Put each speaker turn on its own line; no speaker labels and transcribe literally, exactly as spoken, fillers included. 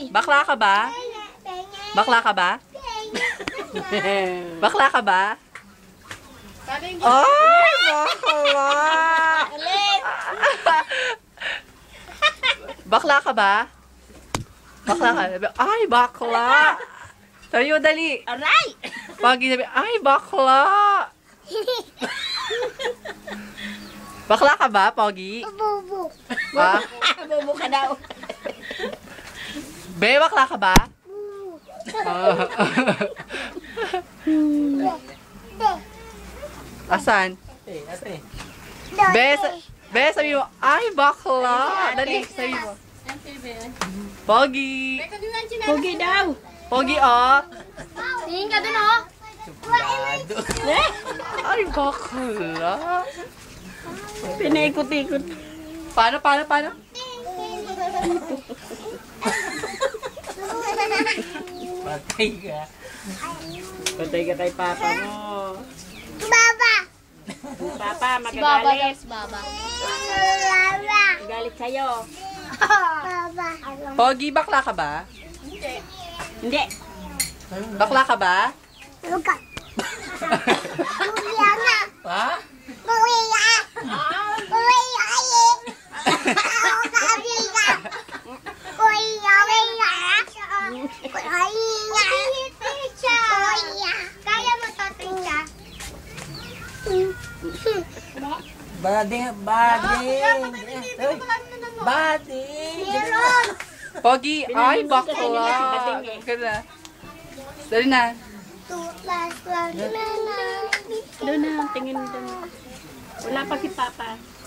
Bakla ka ba? Bakla ka ba? Bakla ka ba? Ay, bakla! Bakla ka ba? Bakla ka? Ay, bakla! Sabi mo, dali.
Aray!
Pag sabi, ay, bakla! Bakla ka ba, Pogi?
Bubu.
Ha?
Bobo ka daw.
Be, bakla ka ba? Ah. Asan?
Ate, ate.
Be, sa- Be, sabi mo, ay, bakla! Dali, sabi mo. Pogi!
Pogi daw.
Pogi, oh!
Tingin ka dun, oh.
Suplado.
Ay, bakla!
Pinaikot-ikot.
Paano, paano, paano?
Patay ka. Patay ka kay papa mo.
Baba.
Papa,
Si Baba daw,
magagalit.
si Baba. Baba.
Magalit sa'yo.
Baba.
Pogi, bakla ka ba?
Hindi.
Bakla ka ba?
Luka. Kuya nga.
Ha?
Kuya. Kuya eh. Ako sabi ka. Kuya, kuya. Kuya. Kuya. Kaya mo to, Trisha?
Bading, bading. Bading.
Meron.
Pogi, ay,
Pinanunod ka
bakla!
kanina si Bading eh.
Ka na. Dali na.
Two plus one.
Doon na, tingin doon. Wala pa si papa.